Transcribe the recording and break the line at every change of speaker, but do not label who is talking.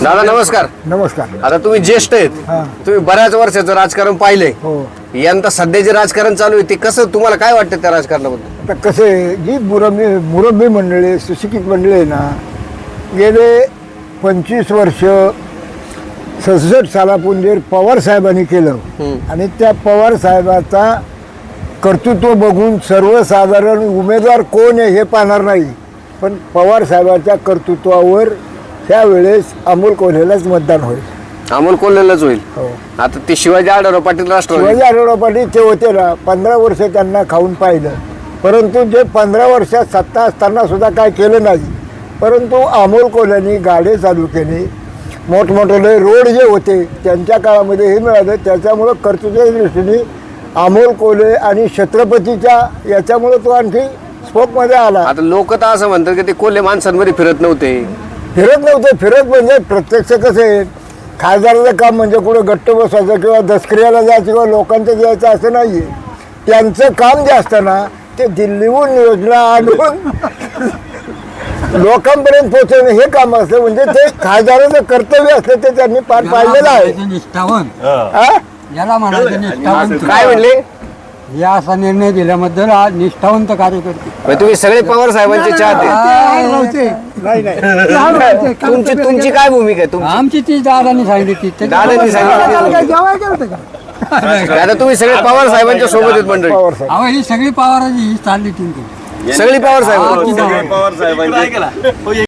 दादा नमस्कार.
नमस्कार.
आता तुम्ही ज्येष्ठ आहेत, तुम्ही बऱ्याच वर्षाचं राजकारण पाहिलंय.
हो.
यंदा सध्याचे राजकारण चालू आहे ते कसं, तुम्हाला काय वाटतं त्या राजकारणाबद्दल?
आता कसं आहे, जी मुरब्बी मंडळी, सुशिक्षित मंडळी आहे ना, गेले 25 वर्ष 67 सालापूर्वी जे पवार साहेबांनी केलं आणि त्या पवार साहेबाचा कर्तृत्व बघून सर्वसाधारण उमेदवार कोण आहे हे पाहणार नाही, पण पवार साहेबाच्या कर्तृत्वावर त्यावेळेस अमोल कोल्हेलाच मतदान होईल.
अमोल कोल्हेलाच होईल.
हो.
आता ते शिवाजी आढळराव पाटील राष्ट्रवादी.
शिवाजी आढळराव पाटील ते होते ना, 15 वर्ष त्यांना खाऊन पाहिलं, परंतु जे 15 वर्षात सत्ता असताना सुद्धा काय केलं नाही. परंतु अमोल कोल्हेनी गाडे चालू केले, मोठमोठे रोड जे होते त्यांच्या काळामध्ये हे मिळालं. त्याच्यामुळं कर्तृत्वाच्या दृष्टीने अमोल कोल्हे आणि छत्रपतीच्या याच्यामुळं तो आणखी स्पोकमध्ये आला.
आता लोक तर असं म्हणतात की ते कोल्हे माणसांमध्ये फिरत नव्हते.
फिरत म्हणजे प्रत्यक्ष कसं आहे, खासदाराचं काम म्हणजे कुठं गट्ट बसवायचं किंवा दसक्रियाला जायचं किंवा लोकांचं द्यायचं असं नाही आहे. त्यांचं काम जे असतं ना, ते दिल्लीहून योजना आणून लोकांपर्यंत पोहोचवणं हे काम असतं. म्हणजे ते खासदाराचं कर्तव्य असतं, ते त्यांनी पार पाडलेलं आहे.
निष्ठावन
हा?
याला म्हणायचं निष्ठावंत.
काय म्हणले?
या असा निर्णय दिल्याबद्दल आज निष्ठावंत कार्यकर्ते.
म्हणजे तुम्ही सगळे पवार साहेबांचे चाहते.
नाही नाही.
तुमची काय भूमिका आहे तुमची?
आमची ती दादानी सांगितली ती.
दादांनी सांगितलं. आता तुम्ही सगळे पवार साहेबांच्या सोबत आहेत मंडळी.
पवार साहेब
अहो ही सगळी पवाराची ही चालली टीम.
सगळी पवार साहेब.
पवार साहेबांचे